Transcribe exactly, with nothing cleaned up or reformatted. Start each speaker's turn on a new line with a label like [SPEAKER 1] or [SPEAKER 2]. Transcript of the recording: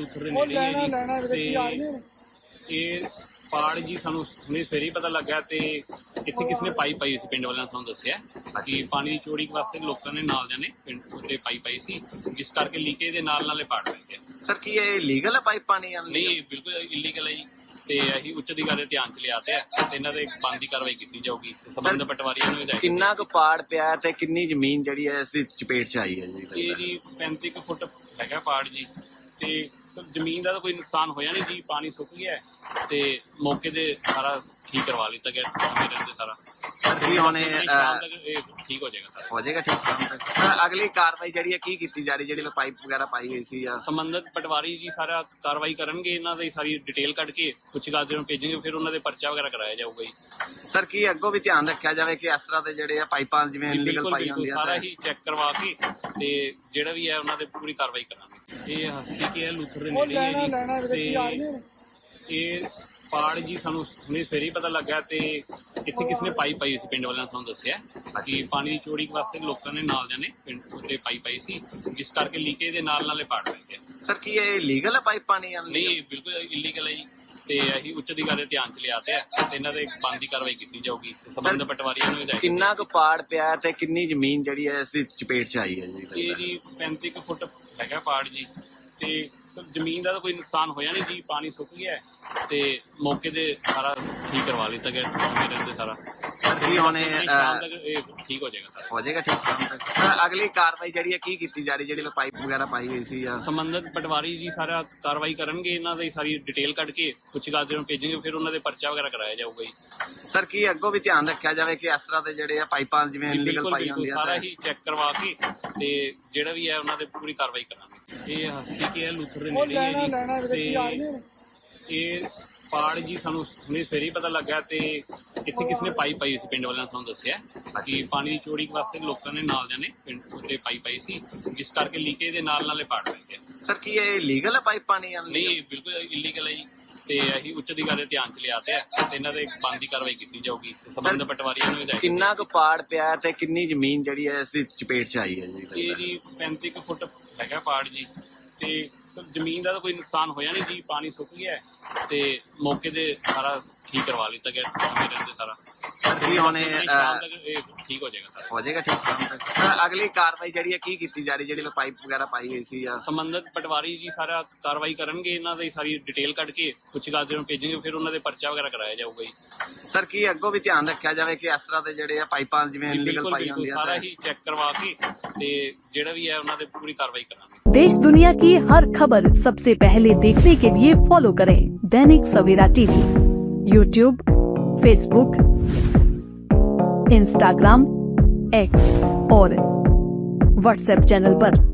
[SPEAKER 1] ਲੁੱਥਰ ਦੇ ਨੇੜੇ ਹੀ ਹੈ ਜੀ ਤੇ ਇਹ ਪਾੜ ਜੀ ਸਾਨੂੰ ਹੁਣੇ ਸਵੇਰੇ ਹੀ ਪਤਾ ਲੱਗਾ ਤੇ ਇੱਥੇ ਕਿਸ ਨੇ ਪਾਈ ਪਾਈ ਸੀ ਪਿੰਡ ਵਾਲਿਆਂ ਨੇ ਸਾਨੂੰ ਦੱਸਿਆ ਕਿ ਪਾਣੀ ਦੀ ਚੋਰੀ ਵਾਸਤੇ ਲੋਕਾਂ ਨੇ ਨਾਲ ਜਾਣੇ ਪਿੰਡ ਉੱਤੇ ਪਾਈ ਪਾਈ ਸੀ ਜਿਸ ਕਰਕੇ ਲੀਕੇਜ ਦੇ ਨਾਲ ਨਾਲੇ ਪਾੜ ਪੈ ਗਿਆ।
[SPEAKER 2] ਸਰ ਕੀ ਇਹ ਲੀਗਲ ਹੈ ਪਾਈਪ ਪਾਣੀ ਆਉਣ
[SPEAKER 1] ਨਹੀਂ ਬਿਲਕੁਲ ਇਲੀਗਲ ਹੈ ਜੀ ਤੇ ਅਸੀਂ ਉੱਚ ਅਧਿਕਾਰੀ ਦੇ ਧਿਆਨ ਚ ਲਿਆਤੇ ਆ ਤੇ ਇਹਨਾਂ ਦੇ ਬਣਦੀ ਕਾਰਵਾਈ ਕੀਤੀ ਜਾਊਗੀ ਸੰਬੰਧ ਪਟਵਾਰੀਆਂ ਨੂੰ ਹਦਾਇਤ।
[SPEAKER 2] ਕਿੰਨਾ ਕੁ ਪਾੜ ਪਿਆ ਤੇ ਕਿੰਨੀ ਜ਼ਮੀਨ ਜਿਹੜੀ ਹੈ ਇਸ ਦੀ ਚਪੇਟ ਚ ਆਈ ਹੈ ਜੀ?
[SPEAKER 1] ਇਹ ਜੀ ਪੈਂਤੀ ਕੁ ਫੁੱਟ ਹੈਗਾ ਪਾੜ ਜੀ ਤੇ ਜ਼ਮੀਨ ਦਾ ਤਾਂ ਕੋਈ ਨੁਕਸਾਨ ਹੋਇਆ ਨਹੀਂ ਜੀ, ਪਾਣੀ ਸੁੱਕ ਗਿਆ ਤੇ ਮੌਕੇ ਤੇ ਸਾਰਾ ਠੀਕ ਕਰਵਾ ਲਿੱਤਾ ਗਿਆ ਮੇਰੇ ਤੇ ਸਾਰਾ।
[SPEAKER 2] ਸਰ ਕੀ ਹੁਣ ਇਹ
[SPEAKER 1] ਠੀਕ ਹੋ ਜਾਏਗਾ ਸਰ?
[SPEAKER 2] ਹੋ ਜਾਏਗਾ ਠੀਕ ਸਰ। ਅਗਲੀ ਕਾਰਵਾਈ ਜਿਹੜੀ ਹੈ ਕੀ ਕੀਤੀ ਜਾ ਰਹੀ ਜਿਹੜੀ ਪਾਈਪ ਵਗੈਰਾ ਪਾਈ ਗਈ ਸੀ ਜਾਂ
[SPEAKER 1] ਸੰਬੰਧਿਤ ਪਟਵਾਰੀ ਜੀ ਸਾਰਾ ਕਾਰਵਾਈ ਕਰਨਗੇ, ਇਹਨਾਂ ਦੀ ਸਾਰੀ ਡਿਟੇਲ ਕੱਢ ਕੇ ਕੁਝ ਗਾਜ਼ੀਆਂ ਨੂੰ ਭੇਜਣਗੇ, ਫਿਰ ਉਹਨਾਂ ਦੇ ਪਰਚਾ ਵਗੈਰਾ ਕਰਾਇਆ ਜਾਊਗਾ ਜੀ।
[SPEAKER 2] ਸਰ ਕੀ ਅੱਗੋਂ ਵੀ ਧਿਆਨ ਰੱਖਿਆ ਜਾਵੇ ਕਿ ਇਸ ਤਰ੍ਹਾਂ ਦੇ ਜਿਹੜੇ ਆ ਪਾਈਪਾਂ ਜਿਵੇਂ ਇਲੀਗਲ ਪਾਈ ਹੁੰਦੀਆਂ
[SPEAKER 1] ਸਾਰਾ ਹੀ ਚੈੱਕ ਕਰਵਾ ਕੇ ਤੇ ਜਿਹੜਾ ਵੀ ਹੈ ਉਹਨਾਂ ਦੇ ਪੂਰੀ ਕਾਰਵਾਈ ਕਰਾਂਗੇ। ਇਹ ਹਸਤੀ ਕੀ ਹੈ ਲੁੱਥਰ ਦੇ ਨੇੜੇ ਹੀ ਹੈ ਜੀ ਤੇ ਇਹ ਪਾੜ ਜੀ ਸਾਨੂੰ ਹੁਣੇ ਸਵੇਰੇ ਹੀ ਪਤਾ ਲੱਗਾ ਤੇ ਇੱਥੇ ਕਿਸ ਨੇ ਪਾਈ ਪਾਈ ਸੀ ਪਿੰਡ ਵਾਲਿਆਂ ਨੇ ਸਾਨੂੰ ਦੱਸਿਆ ਕਿ ਪਾਣੀ ਦੀ ਚੋਰੀ ਵਾਸਤੇ ਲੋਕਾਂ ਨੇ ਨਾਲ ਜਾਣੇ ਪਿੰਡ ਉੱਤੇ ਪਾਈ ਪਾਈ ਸੀ ਜਿਸ ਕਰਕੇ ਲੀਕੇਜ ਦੇ ਨਾਲ ਨਾਲੇ ਪਾੜ ਪੈ ਗਿਆ।
[SPEAKER 2] ਸਰ ਕੀ ਇਹ ਲੀਗਲ ਹੈ ਪਾਈਪ ਪਾਣੀ ਆਉਣ
[SPEAKER 1] ਨਹੀਂ ਬਿਲਕੁਲ ਇਲੀਗਲ ਹੈ ਜੀ ਤੇ ਅਸੀਂ ਉੱਚ ਅਧਿਕਾਰੀ ਦੇ ਧਿਆਨ ਚ ਲਿਆਤੇ ਆ ਤੇ ਇਹਨਾਂ ਦੇ ਬਣਦੀ ਕਾਰਵਾਈ ਕੀਤੀ ਜਾਊਗੀ ਸੰਬੰਧ ਪਟਵਾਰੀਆਂ ਨੂੰ ਹਦਾਇਤ।
[SPEAKER 2] ਕਿੰਨਾ ਕੁ ਪਾੜ ਪਿਆ ਤੇ ਕਿੰਨੀ ਜ਼ਮੀਨ ਜਿਹੜੀ ਹੈ ਇਸ ਦੀ ਚਪੇਟ ਚ ਆਈ ਹੈ ਜੀ?
[SPEAKER 1] ਇਹ ਜੀ ਪੈਂਤੀ ਕੁ ਫੁੱਟ ਹੈਗਾ ਪਾੜ ਜੀ ਤੇ ਜ਼ਮੀਨ ਦਾ ਤਾਂ ਕੋਈ ਨੁਕਸਾਨ ਹੋਇਆ ਨਹੀਂ ਜੀ, ਪਾਣੀ ਸੁੱਕ ਗਿਆ ਤੇ ਮੌਕੇ ਤੇ ਸਾਰਾ ਠੀਕ ਕਰਵਾ ਲਿੱਤਾ ਗਿਆ ਮੇਰੇ ਤੇ ਸਾਰਾ।
[SPEAKER 2] ਸਰ ਕੀ ਹੁਣ ਇਹ
[SPEAKER 1] ਠੀਕ ਹੋ ਜਾਏਗਾ ਸਰ?
[SPEAKER 2] ਹੋ ਜਾਏਗਾ ਠੀਕ ਸਰ। ਅਗਲੀ ਕਾਰਵਾਈ ਜਿਹੜੀ ਹੈ ਕੀ ਕੀਤੀ ਜਾ ਰਹੀ ਜਿਹੜੀ ਪਾਈਪ ਵਗੈਰਾ ਪਾਈ ਗਈ ਸੀ ਜਾਂ
[SPEAKER 1] ਸੰਬੰਧਿਤ ਪਟਵਾਰੀ ਜੀ ਸਾਰਾ ਕਾਰਵਾਈ ਕਰਨਗੇ, ਇਹਨਾਂ ਦੀ ਸਾਰੀ ਡਿਟੇਲ ਕੱਢ ਕੇ ਕੁਝ ਗਾਜ਼ੀਆਂ ਨੂੰ ਭੇਜਣਗੇ, ਫਿਰ ਉਹਨਾਂ ਦੇ ਪਰਚਾ ਵਗੈਰਾ ਕਰਾਇਆ ਜਾਊਗਾ ਜੀ।
[SPEAKER 2] ਸਰ ਕੀ ਅੱਗੋਂ ਵੀ ਧਿਆਨ ਰੱਖਿਆ ਜਾਵੇ ਕਿ ਇਸ ਤਰ੍ਹਾਂ ਦੇ ਜਿਹੜੇ ਆ ਪਾਈਪਾਂ ਜਿਵੇਂ ਇਲੀਗਲ ਪਾਈ ਹੁੰਦੀਆਂ
[SPEAKER 1] ਸਾਰਾ ਹੀ ਚੈੱਕ ਕਰਵਾ ਕੇ ਤੇ ਜਿਹੜਾ ਵੀ ਹੈ ਉਹਨਾਂ ਦੇ ਪੂਰੀ ਕਾਰਵਾਈ ਕਰਾਂਗੇ। ਇਹ ਹਸਤੀ ਕੀ ਹੈ ਲੁੱਥਰ ਦੇ ਨੇੜੇ ਹੀ ਹੈ ਜੀ ਤੇ ਇਹ ਪਾੜ ਜੀ ਸਾਨੂੰ ਹੁਣੇ ਸਵੇਰੇ ਹੀ ਪਤਾ ਲੱਗਾ ਤੇ ਇੱਥੇ ਕਿਸ ਨੇ ਪਾਈ ਪਾਈ ਸੀ ਪਿੰਡ ਵਾਲਿਆਂ ਨੇ ਸਾਨੂੰ ਦੱਸਿਆ ਕਿ ਪਾਣੀ ਦੀ ਚੋਰੀ ਵਾਸਤੇ ਲੋਕਾਂ ਨੇ ਨਾਲ ਜਾਣੇ ਪਿੰਡ ਉੱਤੇ ਪਾਈ ਪਾਈ ਸੀ ਜਿਸ ਕਰਕੇ ਲੀਕੇਜ ਦੇ ਨਾਲ ਨਾਲੇ ਪਾੜ ਪੈ ਗਿਆ।
[SPEAKER 2] ਸਰ ਕੀ ਇਹ ਲੀਗਲ ਹੈ ਪਾਈਪ ਪਾਣੀ ਆਉਣ
[SPEAKER 1] ਨਹੀਂ ਬਿਲਕੁਲ ਇਲੀਗਲ ਹੈ ਜੀ ਤੇ ਅਸੀਂ ਉੱਚ ਅਧਿਕਾਰੀ ਦੇ ਧਿਆਨ ਚ ਲਿਆਤੇ ਆ ਤੇ ਇਹਨਾਂ ਦੇ ਬਣਦੀ ਕਾਰਵਾਈ ਕੀਤੀ ਜਾਊਗੀ ਸੰਬੰਧ ਪਟਵਾਰੀਆਂ ਨੂੰ ਹਦਾਇਤ।
[SPEAKER 2] ਕਿੰਨਾ ਕੁ ਪਾੜ ਪਿਆ ਤੇ ਕਿੰਨੀ ਜ਼ਮੀਨ ਜਿਹੜੀ ਹੈ ਇਸ ਦੀ ਚਪੇਟ ਚ ਆਈ ਹੈ ਜੀ?
[SPEAKER 1] ਇਹ ਜੀ ਪੈਂਤੀ ਕੁ ਫੁੱਟ ਹੈਗਾ ਪਾੜ ਜੀ ਤੇ ਜ਼ਮੀਨ ਦਾ ਤਾਂ ਕੋਈ ਨੁਕਸਾਨ ਹੋਇਆ ਨਹੀਂ ਜੀ, ਪਾਣੀ ਸੁੱਕ ਗਿਆ ਤੇ ਮੌਕੇ ਤੇ ਸਾਰਾ ਠੀਕ ਕਰਵਾ ਲਿੱਤਾ ਗਿਆ ਮੇਰੇ ਤੇ ਸਾਰਾ।
[SPEAKER 2] ਸਰ ਕੀ ਹੁਣ ਇਹ
[SPEAKER 1] ਠੀਕ ਹੋ ਜਾਏਗਾ ਸਰ?
[SPEAKER 2] ਹੋ ਜਾਏਗਾ ਠੀਕ ਸਰ। ਅਗਲੀ ਕਾਰਵਾਈ ਜਿਹੜੀ ਹੈ ਕੀ ਕੀਤੀ ਜਾ ਰਹੀ ਜਿਹੜੀ ਪਾਈਪ ਵਗੈਰਾ ਪਾਈ ਗਈ ਸੀ ਜਾਂ
[SPEAKER 1] ਸੰਬੰਧਿਤ ਪਟਵਾਰੀ ਜੀ ਸਾਰਾ ਕਾਰਵਾਈ ਕਰਨਗੇ, ਇਹਨਾਂ ਦੀ ਸਾਰੀ ਡਿਟੇਲ ਕੱਢ ਕੇ ਕੁਝ ਗਾਜ਼ੀਆਂ ਨੂੰ ਭੇਜਣਗੇ, ਫਿਰ ਉਹਨਾਂ ਦੇ ਪਰਚਾ ਵਗੈਰਾ ਕਰਾਇਆ ਜਾਊਗਾ ਜੀ।
[SPEAKER 2] ਸਰ ਕੀ ਅੱਗੋਂ ਵੀ ਧਿਆਨ ਰੱਖਿਆ ਜਾਵੇ ਕਿ ਇਸ ਤਰ੍ਹਾਂ ਦੇ ਜਿਹੜੇ ਆ ਪਾਈਪਾਂ ਜਿਵੇਂ ਇਲੀਗਲ ਪਾਈ ਹੁੰਦੀਆਂ
[SPEAKER 1] ਸਾਰਾ ਹੀ ਚੈੱਕ ਕਰਵਾ ਕੇ ਤੇ ਜਿਹੜਾ ਵੀ ਹੈ ਉਹਨਾਂ ਦੇ ਪੂਰੀ ਕਾਰਵਾਈ ਕਰਾਂਗੇ।
[SPEAKER 3] देश दुनिया की हर खबर सबसे पहले देखने के लिए फॉलो करें Dainik Savera TV, YouTube, Facebook, Instagram, X और व्हाट्सएप चैनल पर।